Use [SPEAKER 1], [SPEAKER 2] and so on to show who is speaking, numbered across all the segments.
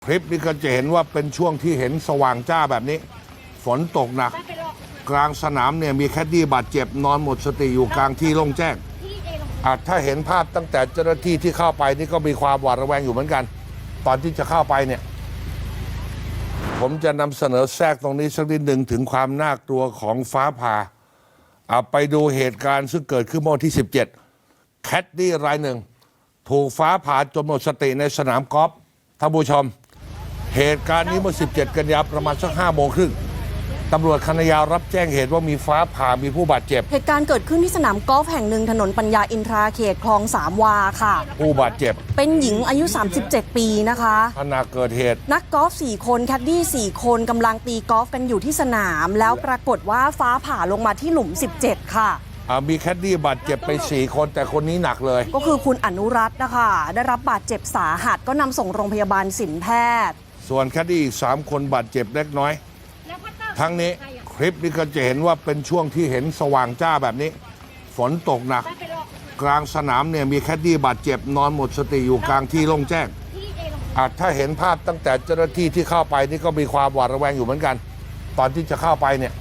[SPEAKER 1] คลิปนี้ก็จะเห็นว่าเป็นช่วงที่เห็นสว่างจ้าแบบนี้ฝนตกหนักกลางสนามเนี่ยมีแคดดี้บาดเจ็บนอนหมดสติอยู่กลางที่โล่งแจ้งถ้าเห็นภาพตั้งแต่เจ้าหน้าที่ที่เข้าไปนี่ก็มีความหวาดระแวงอยู่เหมือนกัน ตอนที่จะเข้าไปเนี่ยผมจะนำเสนอแทรกตรงนี้สักนิดหนึ่งถึงความน่ากลัวของฟ้าผ่าไปดูเหตุการณ์ซึ่งเกิดขึ้นเมื่อวันที่ 17 แคดดี้รายหนึ่งถูกฟ้าผ่าจนหมดสติในสนามกอล์ฟท่านผู้ชมเหตุการณ์นี้เมื่อ 17 กันยายนประมาณสัก 5 โมงครึ่งตำรวจคณะยาวรับแจ้งเหตุว่ามีฟ้าผ่ามีผู้บาดเจ็บ
[SPEAKER 2] เหตุการณ์เกิดขึ้นที่สนามกอล์ฟแห่งหนึ่งถนนปัญญาอินทราเขตคลองสามวาค่ะ
[SPEAKER 1] ผู้บาดเจ็บ
[SPEAKER 2] เป็นหญิงอายุ 37 ปีนะคะ
[SPEAKER 1] ขณะเกิดเหตุ
[SPEAKER 2] นักกอล์ฟ4 คนแคดดี้4 คนกำลังตีกอล์ฟกันอยู่ที่สนามแล้วปรากฏว่าฟ้าผ่าลงมาที่หลุม 17 ค่ะ
[SPEAKER 1] มีแคดดี้บาดเจ็บไป4 คนแต่คนนี้หนักเลย
[SPEAKER 2] ก็คือคุณอนุรัตน์นะคะได้รับบาดเจ็บสาหัสก็นำส่งโรงพยาบาลศิลป์แพทย์
[SPEAKER 1] ส่วนแคดดี้อีก3 คนบาดเจ็บเล็กน้อยทั้งนี้คลิปนี้ก็จะเห็นว่าเป็นช่วงที่เห็นสว่างจ้าแบบนี้ฝนตกหนักกลางสนามเนี่ยมีแคดดี้บาดเจ็บนอนหมดสติอยู่กลางที่โล่งแจ้งถ้าเห็นภาพตั้งแต่เจ้าหน้าที่ที่เข้าไปนี่ก็มีความหวาดระแวงอยู่เหมือนกัน ตอนที่จะเข้าไปเนี่ย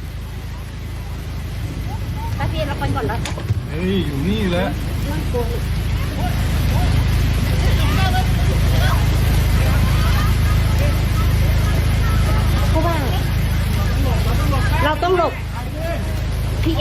[SPEAKER 3] ตาเพียนเราไปก่อนแล้ว
[SPEAKER 4] อยู่นี่แหละ
[SPEAKER 3] เพราะว่าเราต้องหลบพี่เอ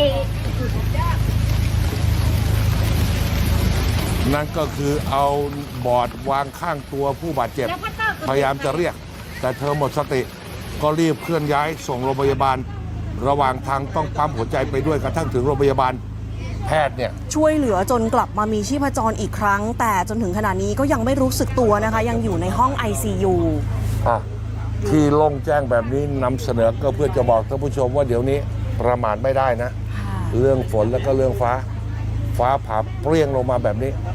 [SPEAKER 1] นั่นก็คือเอาบอร์ดวางข้างตัวผู้บาดเจ็บพยายามจะเรียกแต่เธอหมดสติก็รีบเคลื่อนย้ายส่งโรงพยาบาลระหว่างทางต้องปั๊มหัวใจไปด้วยกระทั่งถึงโรงพยาบาลแพทย์เนี่ย
[SPEAKER 2] ช่วยเหลือจนกลับมามีชีพจรอีกครั้งแต่จนถึงขณะนี้ก็ยังไม่รู้สึกตัวนะคะยังอยู่ในห้อง ICU
[SPEAKER 1] ที่โล่งแจ้งแบบนี้นำเสนอก็เพื่อจะบอกท่านผู้ชมว่าเดี๋ยวนี้ประมาทไม่ได้นะเรื่องฝนแล้วก็เรื่องฟ้าผ่าเปรี้ยงลงมาแบบนี้